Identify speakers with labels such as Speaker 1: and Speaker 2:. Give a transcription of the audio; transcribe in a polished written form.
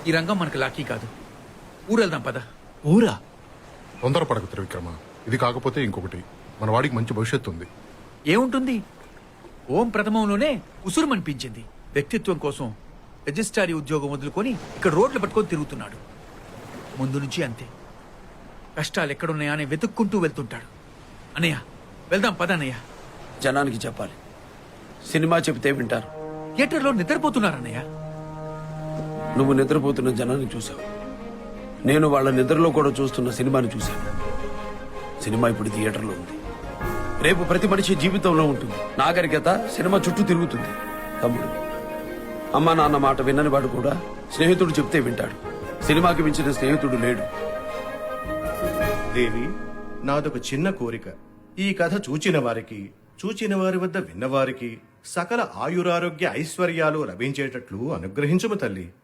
Speaker 1: ఈ రంగం మనకు లాకీ కాదు. ఊరెళ్దాం పద.
Speaker 2: ఊరా?
Speaker 3: తొందరపడకు త్రివిక్రమ. ఇది కాకపోతే ఇంకొకటి, మన వాడికి మంచి భవిష్యత్తు ఉంది.
Speaker 1: ఏముంటుంది? ఓం ప్రథమంలోనే ఉసురుమనిపించింది. వ్యక్తిత్వం కోసం రిజిస్ట్రారీ ఉద్యోగం వదులుకొని ఇక్కడ రోడ్లు పట్టుకొని తిరుగుతున్నాడు. ముందు నుంచి అంతే. కష్టాలు ఎక్కడున్నాయా అని వెతుక్కుంటూ వెళ్తుంటాడు. అన్నయ్య వెళ్దాం పద అన్నయ్య.
Speaker 4: జనానికి చెప్పాలి, సినిమా చెబితే వింటారు.
Speaker 1: థియేటర్లో నిద్రపోతున్నారన్నయ్య.
Speaker 4: నువ్వు నిద్రపోతున్న జనాన్ని చూసావు, నేను వాళ్ళ నిద్రలో కూడా చూస్తున్న సినిమాని చూశాను. సినిమా ఇప్పుడు థియేటర్లో ఉంది, రేపు ప్రతి మనిషి జీవితంలో ఉంటుంది. నాగరికత సినిమా చుట్టూ తిరుగుతుంది. తమ్ముడు, అమ్మా నాన్న మాట విన్నని వాడు కూడా స్నేహితుడు చెప్తే వింటాడు. సినిమాకి మించిన స్నేహితుడు లేడు.
Speaker 5: దేవి, నాదొక చిన్న కోరిక. ఈ కథ చూచిన వారికి, చూచిన వారి వద్ద విన్నవారికి సకల ఆయురారోగ్య ఐశ్వర్యాలు లభించేటట్లు అనుగ్రహించుము తల్లి.